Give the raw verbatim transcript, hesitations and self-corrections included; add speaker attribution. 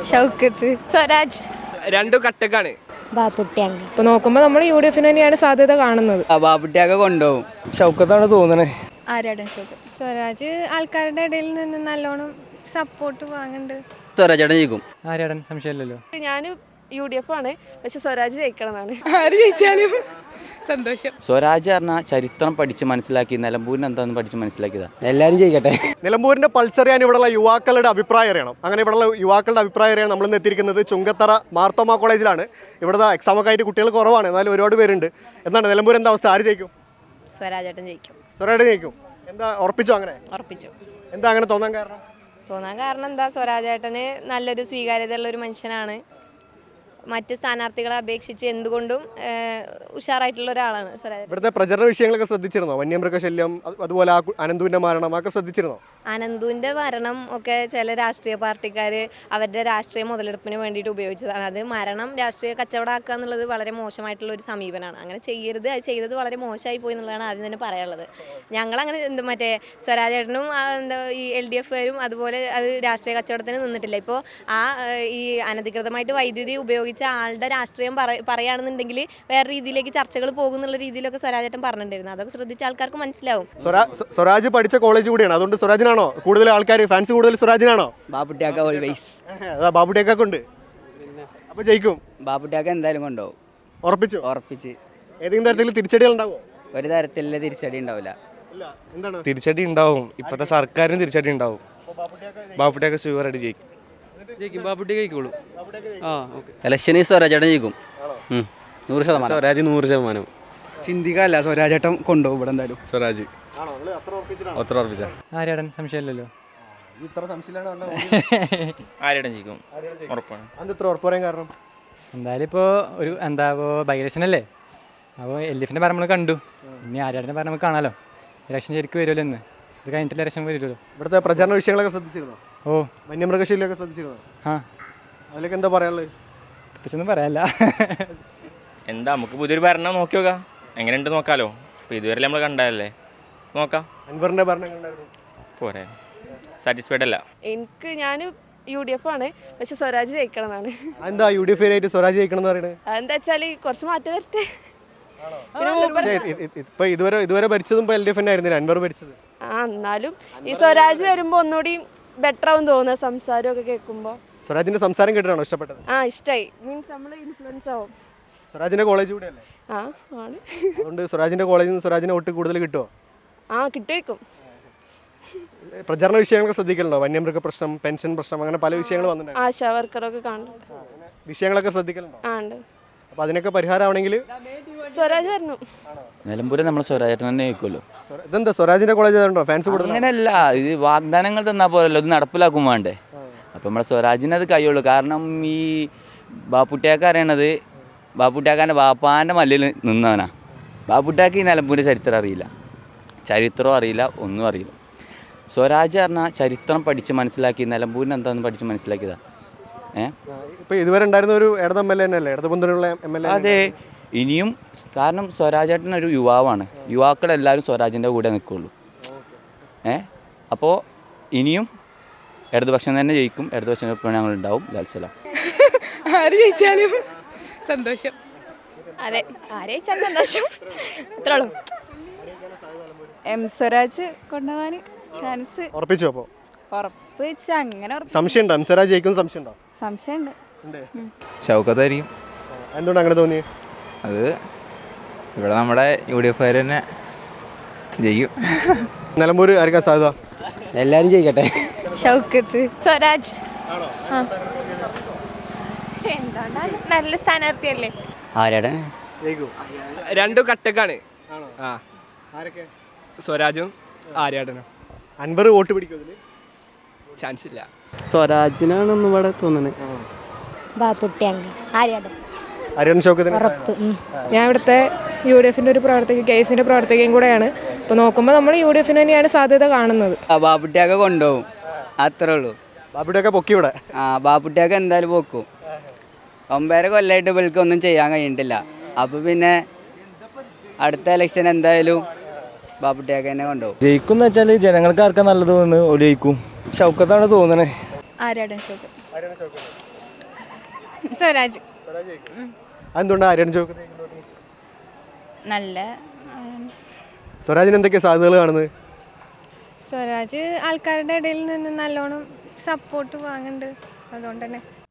Speaker 1: ഷൗക്കത്ത്, സ്വരാജ്.
Speaker 2: രണ്ടു കട്ടക്കാണ്.
Speaker 1: ബാപ്പുട്ടിയാങ്ക.
Speaker 3: ഇപ്പൊ നോക്കുമ്പോ നമ്മൾ യു ഡി എഫിന് തന്നെയാണ് സാധ്യത കാണുന്നത്.
Speaker 4: ബാപ്പുട്ടിയൊക്കെ കൊണ്ടുപോകും.
Speaker 5: ഷൗക്കത്താണ് തോന്നണേ.
Speaker 1: ആരാണ് ഷൗക്കത്ത്? സ്വരാജ് ആൾക്കാരുടെ ഇടയിൽ നിന്ന് നല്ലോണം സപ്പോർട്ട് വാങ്ങുന്നുണ്ട്.
Speaker 4: സ്വരാജേട്ടൻ ജയിക്കും.
Speaker 5: ആരാടൻ സംശയമില്ലല്ലോ.
Speaker 6: ഞാൻ യു ഡി എഫ് ആണ്, പക്ഷെ സ്വരാജ് ജയിക്കണമെന്നാണ്.
Speaker 3: ആര് ജയിച്ചാലും സന്തോഷം.
Speaker 4: സ്വരാജ് പറഞ്ഞാൽ ചരിത്രം പഠിച്ച് മനസ്സിലാക്കി നിലമ്പൂരിന് എന്താണെന്ന് പഠിച്ച് മനസ്സിലാക്കിയതാ. എല്ലാവരും ജയിക്കട്ടെ.
Speaker 2: നിലമ്പൂരിന്റെ പൾസ് അറിയാൻ ഇവിടെയുള്ള യുവാക്കളുടെ അഭിപ്രായം അറിയണം. അങ്ങനെ ഇവിടെയുള്ള യുവാക്കളുടെ അഭിപ്രായം അറിയാൻ നമ്മൾ എത്തിയിരിക്കുന്നത് ചുങ്കത്തറ മാർത്തോമ കോളേജിലാണ്. ഇവിടുത്തെ എക്സാം ഒക്കെ ആയിട്ട് കുട്ടികൾ കുറവാണ്, എന്നാലും ഒരുപാട് പേരുണ്ട്. എന്താണ് നിലമ്പൂർ എന്താ അവസ്ഥ? ആര് ജയിക്കും?
Speaker 1: സ്വരാജേട്ടൻ ജയിക്കും.
Speaker 2: സ്വരാജ് ജയിക്കും. എന്താ ഉറപ്പിച്ചോ? അങ്ങനെ
Speaker 1: ഉറപ്പിച്ചു.
Speaker 2: എന്താ അങ്ങനെ തോന്നാൻ കാരണം?
Speaker 1: തോന്നാൻ കാരണം എന്താ, സ്വരാജേട്ടന് നല്ലൊരു സ്വീകാര്യതയുള്ള ഒരു മനുഷ്യനാണ്. മറ്റ് സ്ഥാനാർത്ഥികളെ അപേക്ഷിച്ച് എന്തുകൊണ്ടും ഉഷാറായിട്ടുള്ള ഒരാളാണ് സ്വരാജ്.
Speaker 2: ഇവിടുത്തെ പ്രചരണ വിഷയങ്ങളൊക്കെ ശ്രദ്ധിച്ചിരുന്നോ? വന്യമൃഗശല്യം, അതുപോലെ ആ അനന്തുവിന്റെ മരണം ഒക്കെ ശ്രദ്ധിച്ചിരുന്നോ?
Speaker 1: അനന്തുവിൻ്റെ മരണം ഒക്കെ ചില രാഷ്ട്രീയ പാർട്ടിക്കാർ അവരുടെ രാഷ്ട്രീയ മുതലെടുപ്പിന് വേണ്ടിയിട്ട് ഉപയോഗിച്ചതാണ്. അത് മരണം രാഷ്ട്രീയ കച്ചവടമാക്കുക എന്നുള്ളത് വളരെ മോശമായിട്ടുള്ള ഒരു സമീപനമാണ്. അങ്ങനെ ചെയ്യരുത്. അത് ചെയ്തത് വളരെ മോശമായി പോയി എന്നുള്ളതാണ് ആദ്യം തന്നെ പറയാനുള്ളത്. ഞങ്ങളങ്ങനെ എന്ത് മറ്റേ സ്വരാജേട്ടനും എന്താ ഈ എൽ ഡി എഫുകാരും അതുപോലെ അത് രാഷ്ട്രീയ കച്ചവടത്തിന് നിന്നിട്ടില്ല. ഇപ്പോൾ ആ ഈ അനധികൃതമായിട്ട് വൈദ്യുതി ഉപയോഗിച്ച ആളുടെ രാഷ്ട്രീയം പറ പറയുകയാണെന്നുണ്ടെങ്കിൽ വേറെ രീതിയിലേക്ക് ചർച്ചകൾ പോകുന്നുള്ള രീതിയിലൊക്കെ സ്വരാജേട്ടൻ പറഞ്ഞിട്ടുണ്ടായിരുന്നു. അതൊക്കെ ശ്രദ്ധിച്ച ആൾക്കാർക്ക് മനസ്സിലാവും.
Speaker 2: സ്വരാജ് പഠിച്ച കോളേജ് കൂടിയാണ്, അതുകൊണ്ട് സ്വരാജിനാണോ കൂടുതൽ ആൾക്കാർ ഫാൻസ്? കൂടുതൽ സ്വരാജിനാണോ?
Speaker 4: ബാപ്പുട്ടിയാക്ക ഓൾവേസ്.
Speaker 2: ബാബുട്ടിയൊക്കെ ഉണ്ട്. അപ്പൊ ജയിക്കും.
Speaker 4: ബാപ്പുട്ടിയാക്ക എന്തായാലും കൊണ്ടുപോകും.
Speaker 2: ഉറപ്പിച്ചു?
Speaker 4: ഉറപ്പിച്ച്.
Speaker 2: ഏതെങ്കിലും തരത്തിൽ തിരിച്ചടികൾ ഉണ്ടാവോ?
Speaker 4: ഒരു തരത്തിലുള്ള തിരിച്ചടി ഉണ്ടാവില്ല.
Speaker 5: തിരിച്ചടി ഉണ്ടാവും. ഇപ്പത്തെ സർക്കാരിന് തിരിച്ചടി ഉണ്ടാവും. ബാപ്പുട്ടിയൊക്കെ ഷുവറായിട്ട് ജയിക്കും. ബാപ്പുട്ടി കഴിക്കുള്ളൂ.
Speaker 4: ഇലക്ഷന് സ്വരാജേട്ടൻ ജയിക്കും. നൂറ് ശതമാനം.
Speaker 5: സ്വരാജ് നൂറ് ശതമാനം.
Speaker 7: ചിന്തിക്കല്ല, സ്വരാജേട്ടൻ കൊണ്ടുപോകും ഇവിടെ എന്തായാലും.
Speaker 5: സ്വരാജ്. ആരാടൻ സംശയമില്ലല്ലോ.
Speaker 8: ആരാടൻ ജയിക്കും ഉറപ്പാണ്.
Speaker 2: കാരണം
Speaker 5: എന്തായാലും ഇപ്പോൾ ഒരു എന്താ ഇപ്പോൾ ബൈ ഇലക്ഷൻ അല്ലേ, അപ്പോൾ എൽ ഡി എഫിൻ്റെ ഭരണം നമ്മൾ കണ്ടു. ഇനി ആരാടൻ്റെ ഭരണം നമുക്ക് കാണാമല്ലോ. ഇലക്ഷൻ ശരിക്കും വരുമല്ലോ ഇന്ന്. ഇത് കഴിഞ്ഞിട്ട് ഇലക്ഷൻ വരുമല്ലോ.
Speaker 2: ഇവിടുത്തെ പ്രചരണ വിഷയങ്ങളൊക്കെ ശ്രദ്ധിച്ചിരുന്നോ?
Speaker 5: ഓ,
Speaker 2: വന്യമൃഗശല്യമൊക്കെ ശ്രദ്ധിച്ചിരുന്നോ?
Speaker 5: ആ,
Speaker 2: അതിലൊക്കെ എന്താ പറയാനുള്ളത്?
Speaker 5: പ്രത്യേകിച്ചൊന്നും പറയാനില്ല.
Speaker 8: എന്താ നമുക്ക് പുതിയൊരു ഭരണം നോക്കി നോക്കാം, എങ്ങനെയുണ്ട് നോക്കാമല്ലോ. ഇപ്പോൾ ഇതുവരെ നമ്മൾ കണ്ടതല്ലേ, നോക്കാം.
Speaker 2: അൻവറിന്റെ ഭരണം കണ്ടായിരുന്നു,
Speaker 8: പോരെ? സാറ്റിസ്ഫൈഡ് അല്ല.
Speaker 6: എനിക്ക് ഞാൻ യു ഡി എഫ് ആണ്, പക്ഷെ സ്വരാജ് ജയിക്കണമെന്നാണ്.
Speaker 2: എന്താ യു ഡി എഫ് ആയിട്ട് സ്വരാജ് ജയിക്കണം എന്ന് പറയുന്നത്?
Speaker 6: എന്താ വെച്ചാൽ കുറച്ച് മാറ്റം വരട്ടെ.
Speaker 2: ഇപ്പൊ ഇതുവരെ ഇതുവരെ ഭരിച്ചതും എൽ ഡി എഫ് ആയിരുന്നില്ല, അൻവർ ഭരിച്ചത്.
Speaker 6: ആ, എന്നാലും ഈ സ്വരാജ് വരുമ്പോ ഒന്നുകൂടി ബെറ്റർ ആവും തോന്നുക, സംസാരമൊക്കെ കേൾക്കുമ്പോ.
Speaker 2: സ്വരാജിന്റെ സംസാരം കേട്ടിട്ടാണോ ഇഷ്ടപ്പെട്ടത്?
Speaker 6: ആ, ഇഷ്ടമായി. മീൻസ് നമ്മൾ ഇൻഫ്ലുവൻസ് ആവും.
Speaker 2: സ്വരാജിന്റെ കോളേജ് കൂടെ അല്ലേ?
Speaker 6: ആ, ആണ്.
Speaker 2: അതുകൊണ്ട് സ്വരാജിന്റെ കോളേജിൽ നിന്ന് സ്വരാജിന് വോട്ട് കൂടുതൽ കിട്ടുമോ?
Speaker 6: ആ, കിട്ടുമായിരിക്കും.
Speaker 2: പ്രചരണ വിഷയങ്ങളൊക്കെ ശ്രദ്ധിക്കലുണ്ടോ? വന്യമൃഗ പ്രശ്നം, പെൻഷൻ പ്രശ്നം, അങ്ങനെ പല വിഷയങ്ങൾ വന്നിട്ടുണ്ട്.
Speaker 6: ആശാ വർക്കറൊക്കെ കാണുന്നുണ്ട്.
Speaker 2: വിഷയങ്ങളൊക്കെ ശ്രദ്ധിക്കലുണ്ടോ?
Speaker 6: ആ, ഉണ്ട്.
Speaker 2: അപ്പൊ അതിനൊക്കെ പരിഹാരമാണെങ്കിൽ
Speaker 6: സ്വരാജ് വരണം.
Speaker 4: നിലമ്പൂര് നമ്മൾ സ്വരാജേട്ടൻ തന്നെ ജയിക്കുമല്ലോ.
Speaker 2: ഇതെന്താ സ്വരാജിന്റെ കോളേജ് ആയതുകൊണ്ടോ ഫാൻസ് കൂടുതൽ?
Speaker 4: അങ്ങനെയല്ല, ഇത് വാഗ്ദാനങ്ങൾ തന്നാൽ പോരല്ലോ, ഇത് നടപ്പിലാക്കും വേണ്ടേ. അപ്പം നമ്മളെ സ്വരാജിന് അത് കഴിയുള്ളൂ. കാരണം ഈ ബാപ്പുട്ടിയാക്ക അറിയണത് ബാപ്പുട്ടിയാക്കാൻ്റെ വാപ്പാൻ്റെ മല്ലിൽ നിന്നവനാ. ബാപ്പുട്ടിയാക്ക് ഈ നിലമ്പൂരിൻ്റെ ചരിത്രം അറിയില്ല, ചരിത്രവും അറിയില്ല, ഒന്നും അറിയില്ല. സ്വരാജ് പറഞ്ഞാൽ ചരിത്രം പഠിച്ച് മനസ്സിലാക്കി നിലമ്പൂരിന് എന്താണെന്ന് പഠിച്ച് മനസ്സിലാക്കിയതാ. ഏഹ്
Speaker 2: ഇപ്പൊ ഇതുവരെ ഉണ്ടായിരുന്ന ഒരു ഇടത് എം എൽ എ തന്നെയല്ലേ, ഇടത് മുന്നണിയുള്ള എം എൽ എ?
Speaker 4: അതെ, ഇനിയും. കാരണം സ്വരാജേട്ടൻ ഒരു യുവാവാണ്, യുവാക്കളെല്ലാവരും സ്വരാജിൻ്റെ കൂടെ നിൽക്കുള്ളൂ. ഏ അപ്പോൾ ഇനിയും ഇടതുപക്ഷം തന്നെ ജയിക്കും, ഇടതുപക്ഷം ഇപ്പോൾ ഞങ്ങളുണ്ടാവും. ലാൽസലാം.
Speaker 3: ആര് ജയിച്ചാലും സന്തോഷം.
Speaker 1: അതെ, ആരെ ജയിച്ചാലും സന്തോഷം, അത്രേ ഉള്ളൂ.
Speaker 6: എം സ്വരാജ് കൊണ്ടുപോകാൻ ചാൻസ്
Speaker 2: ഉറപ്പിച്ചു? അപ്പോൾ
Speaker 6: ഉറപ്പ് വെച്ചാൽ അങ്ങനെ
Speaker 2: സംശയം ഉണ്ടോ? എം സ്വരാജ് ജയിക്കും സംശയം ഉണ്ടോ?
Speaker 6: സംശയമുണ്ട്.
Speaker 9: ഷൗക്കത്തായിരിക്കും.
Speaker 2: എന്തുകൊണ്ട് അങ്ങനെ തോന്നി?
Speaker 9: അത് ഇവിടെ നമ്മുടെ യു ഡി എഫ് തന്നെ ജയിക്കും.
Speaker 2: നിലമ്പൂര് ആയിരിക്കാൻ സാധ്യത?
Speaker 4: എല്ലാവരും ജയിക്കട്ടെ.
Speaker 1: ഷൗക്കത്ത്, സ്വരാജ്.
Speaker 3: എന്തുകൊണ്ടാണ്, നല്ല സ്ഥാനാർത്ഥിയല്ലേ.
Speaker 4: ആരാടൻ
Speaker 2: രണ്ടു കട്ടക്കാണ്. സ്വരാജും ആര്യാടനും. അൻവർ വോട്ട് പിടിക്കും? ചാൻസ് ഇല്ല.
Speaker 7: സ്വരാജിനാണെന്ന് ഇവിടെ തോന്നുന്നത്.
Speaker 1: ബാപ്പുട്ടിയാങ്ക. ആര്യാടൻ.
Speaker 2: ആര്യാടൻ ഷൗക്കത്തിന്.
Speaker 3: ഞാൻ ഇവിടുത്തെ യു ഡി എഫിന്റെ ഒരു പ്രവർത്തക, കേസിന്റെ പ്രവർത്തകയും കൂടെയാണ്. ഇപ്പൊ നോക്കുമ്പോൾ നമ്മൾ യു ഡി എഫിന് തന്നെയാണ് സാധ്യത കാണുന്നത്.
Speaker 4: ബാപ്പുട്ടിയാക്ക കൊണ്ടുപോകും, അത്രേ ഉള്ളൂ.
Speaker 2: ബാപ്പുട്ടിയൊക്കെ പൊക്കി ഇവിടെ.
Speaker 4: ആ, ബാപ്പുട്ടിയാക്ക എന്തായാലും പൊക്കും. ഒമ്പതര കൊല്ലമായിട്ട് ഇവൾക്ക് ഒന്നും ചെയ്യാൻ കഴിയണ്ടില്ല. അപ്പോൾ പിന്നെ അടുത്ത ഇലക്ഷൻ എന്തായാലും ബാപ്പുട്ടിയാക്ക തന്നെ കൊണ്ടുപോകും.
Speaker 5: ജയിക്കും എന്ന് വെച്ചാൽ ജനങ്ങൾക്ക് ആർക്കാ നല്ലത് തോന്നുന്നു, ഓടി ജയിക്കും. ഷൗക്കത്താണ് തോന്നണേ.
Speaker 1: ആരാടൻ ഷൗക്കത്ത്.
Speaker 3: സ്വരാജ്
Speaker 2: അതെന്തുകൊണ്ടാണ് ആര്യാണ് ചോദിക്കുന്നത്
Speaker 3: നല്ല
Speaker 2: സ്വരാജിന് എന്തൊക്കെയാ സാധ്യതകൾ കാണുന്നത്?
Speaker 3: സ്വരാജ് ആൾക്കാരുടെ ഇടയിൽ നിന്ന് നല്ലോണം സപ്പോർട്ട് വാങ്ങുന്നുണ്ട്, അതുകൊണ്ട് തന്നെ